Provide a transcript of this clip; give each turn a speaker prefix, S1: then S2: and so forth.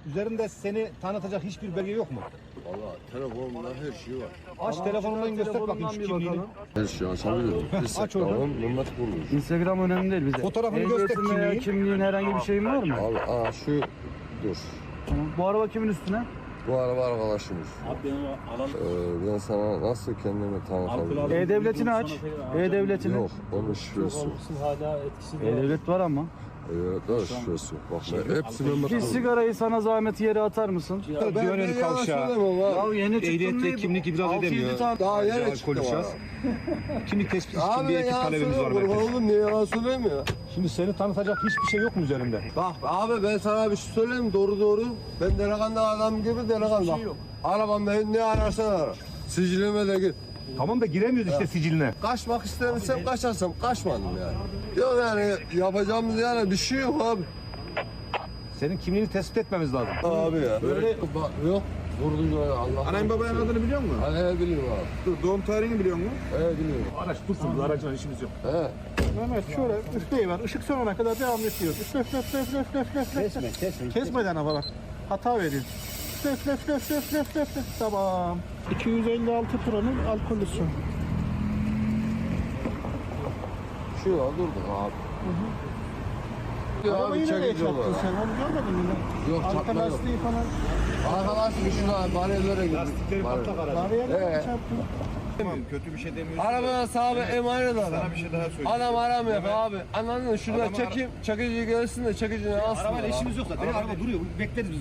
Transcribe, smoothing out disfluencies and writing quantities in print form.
S1: Üzerinde seni tanıtacak hiçbir belge yok mu?
S2: Valla telefonumda her şey var.
S1: Aç telefonundan göster bakayım şu kimliğini.
S2: Her şeyi açabilirim.
S1: Aç oradan.
S2: Tamam, Mehmet Kurmuş.
S3: Instagram önemli değil bize.
S1: Fotoğrafını göster
S3: Ehliyetin veya
S1: kimliği.
S3: kimliğin herhangi bir şeyin var mı?
S2: Al, şu, dur.
S3: Tamam. Bu araba kimin üstüne?
S2: Bu araba arkadaşımız.
S4: Abi ben onu alalım.
S2: Ben sana nasıl kendimi tanıtabilirim?
S3: E-Devlet'ini aç. E-Devlet'ini.
S2: Yok, onun şifresi yok.
S4: Hala etkisiz.
S3: E-Devlet var ama.
S2: Evet, daha şifresi yok. Bak, hepsi Mehmet
S3: Bir
S2: Kurmuş.
S3: sigarayı sana zahmet yere atar mısın?
S1: Güvenen kavşağı.
S2: abi.
S3: Ya yeni çıktın
S1: Ehliyet
S3: diye
S1: ve kimlik ibraz edemiyor.
S2: Daha yeni
S1: Alkol
S2: çıktı
S1: şahıs.
S2: bana.
S1: Kimlik tespit için
S2: Abi
S1: bir
S2: ben
S1: ekip
S2: yalan
S1: talebimiz var.
S2: söylüyorum.
S1: belki.
S2: Oğlum niye yalan söyleyeyim ya?
S1: Şimdi seni tanıtacak hiçbir şey yok mu üzerinde?
S2: Bak abi ben sana bir şey söyleyeyim doğru. Ben delikanlı adam gibi delikanlı. Bak. Arabamda ne ararsan ara. Sicilime de gir.
S1: Tamam da giremiyoruz işte siciline.
S2: Kaçmak istersem kaçarsam kaçmadım yani. Yok yani yapacağımız yani bir şey yok abi.
S1: Senin kimliğini tespit etmemiz lazım.
S2: Abi ya. Böyle bak yok. Vurdun böyle Allah.
S1: Anayın babanın adını biliyor musun?
S2: He biliyorum abi.
S1: Dur, doğum tarihini biliyor musun?
S2: He biliyorum.
S1: Araç dursun, biz aracıyla işimiz yok.
S2: He.
S5: Mehmet şöyle üfleyiver. Işık sönene kadar devam ediyor. Üfle. Kesmeden ama bak. Hata veriyor. Üfle. Tamam. 256 Pro'nun alkolüsü.
S2: Şu an durduk abi. Ya
S5: Arabayı
S2: abi
S5: nereye
S2: çekici
S5: çarptın
S2: olarak.
S5: sen? Onu görmedin mi?
S2: Yok,
S5: Arka
S2: çarpma yok.
S5: lastiği falan.
S2: Arkadaşım şuna bariyerlere girdik.
S1: Lastikleri patlak aracı.
S5: Bariyerle
S2: He.
S5: çarptın.
S1: Demiyorum, kötü bir şey demiyorsun.
S2: Arabaya sahibi emanet adam.
S1: Sana bir şey daha söyleyeyim.
S2: Adam aramıyor abi. Anladın mı? Şurada
S1: Adam
S2: çekeyim. Çekici gelsin de çekicini alsın.
S1: Arabayla işimiz yok zaten. Araba duruyor. Bekleriz biz.